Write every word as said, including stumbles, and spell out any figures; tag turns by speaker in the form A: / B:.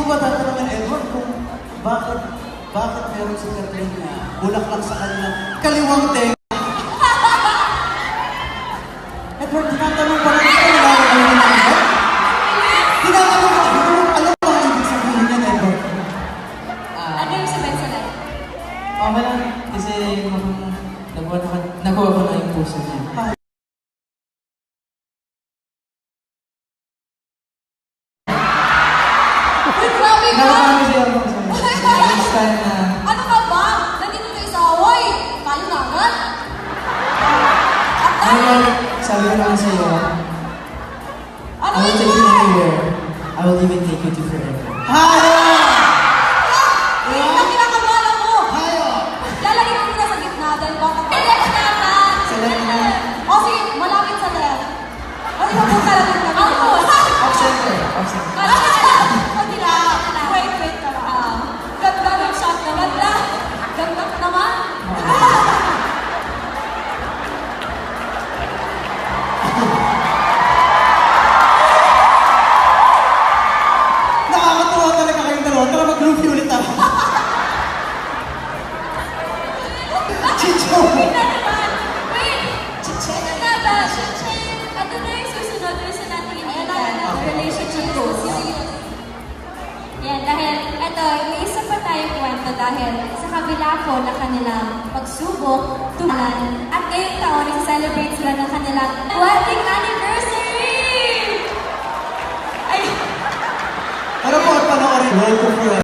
A: ko ba tatanungin, Edward, kung bakit, bakit meron si Kathleen na bulaklak sa kanilang kaliwang tenga? Edward, tinatanong pa rin ito, nilalaman mo na ito? Tinatanong pa rin ito, alam mo ang ibig sabihin niya, Edward?
B: Ano yung sabihin sa lahat?
C: Okay lang, kasi nakuha na, nakuha ko na yung puso niya.
B: Uy, grabe ka!
C: Nakakami siya ako sa next time na...
B: Ano ka ba? Nandito tayo sa Hawaii. Tayo na agad.
C: Ano yan, sabi ko naman sa'yo,
B: Ano
C: I will
B: yun
C: take you
B: ba?
C: anywhere. I will even take you to forever.
A: Hayo!
B: Uy, ang kinakabala mo!
A: Hayo!
B: Lalagyan mo muna sa gitna dahil baka pa. Left na ka!
C: Sa left na.
B: O sige, malapit sa left. O di ba punta lang ng Ako!
C: Off center. Off center.
B: Hindi lang. Wait, wait ka lang. Ganda ng shot na ganda. Ganda naman.
A: Nakakatuwa talaga kayong dalawa. Tara mag-groovy ulit ako. Chicho!
B: Wait na naman. Wait. Chichen na na ba? Chichen. Ano na yung susunod? Gusto natin i-add na relationship goals. Yan, dahil, eto, may isa pa tayong kwento dahil sa kabila po na kanilang pagsubok, tumalan, at ngayong taon, nag-celebrate sila ng kanilang wedding anniversary! Ay,
A: Pero kung panoorin, Roll ko for